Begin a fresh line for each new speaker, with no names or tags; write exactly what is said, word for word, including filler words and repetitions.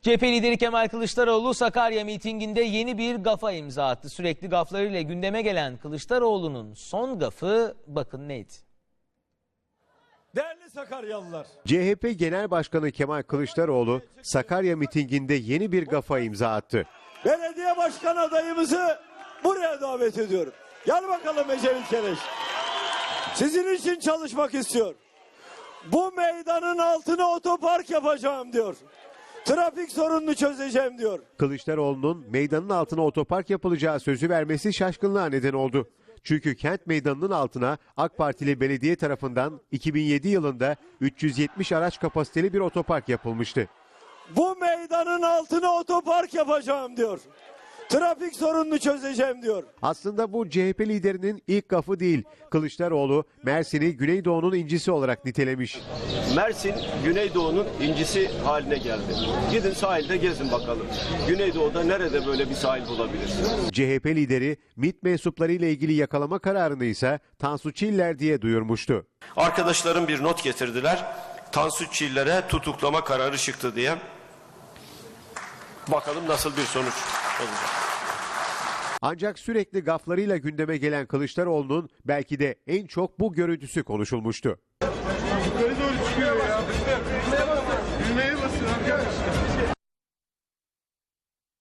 C H P lideri Kemal Kılıçdaroğlu Sakarya mitinginde yeni bir gafa imza attı. Sürekli gaflarıyla gündeme gelen Kılıçdaroğlu'nun son gafı bakın neydi?
Değerli Sakaryalılar.
C H P Genel Başkanı Kemal Kılıçdaroğlu Sakarya mitinginde yeni bir gafa imza attı.
Belediye başkan adayımızı buraya davet ediyorum. Gel bakalım Ecevit Keleş. Sizin için çalışmak istiyor. Bu meydanın altına otopark yapacağım diyor. Trafik sorununu çözeceğim diyor.
Kılıçdaroğlu'nun meydanın altına otopark yapılacağı sözü vermesi şaşkınlığa neden oldu. Çünkü kent meydanının altına AK Partili belediye tarafından iki bin yedi yılında üç yüz yetmiş araç kapasiteli bir otopark yapılmıştı.
Bu meydanın altına otopark yapacağım diyor. Trafik sorununu çözeceğim diyor.
Aslında bu C H P liderinin ilk gafı değil. Kılıçdaroğlu Mersin'i Güneydoğu'nun incisi olarak nitelemiş.
Mersin Güneydoğu'nun incisi haline geldi. Gidin sahilde gezin bakalım. Güneydoğu'da nerede böyle bir sahil bulabilirsiniz?
C H P lideri MİT mensuplarıyla ilgili yakalama kararını ise Tansu Çiller diye duyurmuştu.
Arkadaşlarım bir not getirdiler. Tansu Çiller'e tutuklama kararı çıktı diye. Bakalım nasıl bir sonuç olacak.
Ancak sürekli gaflarıyla gündeme gelen Kılıçdaroğlu'nun belki de en çok bu görüntüsü konuşulmuştu.
Yukarı doğru çıkıyor ya. Düğmeye basın arkadaşlar.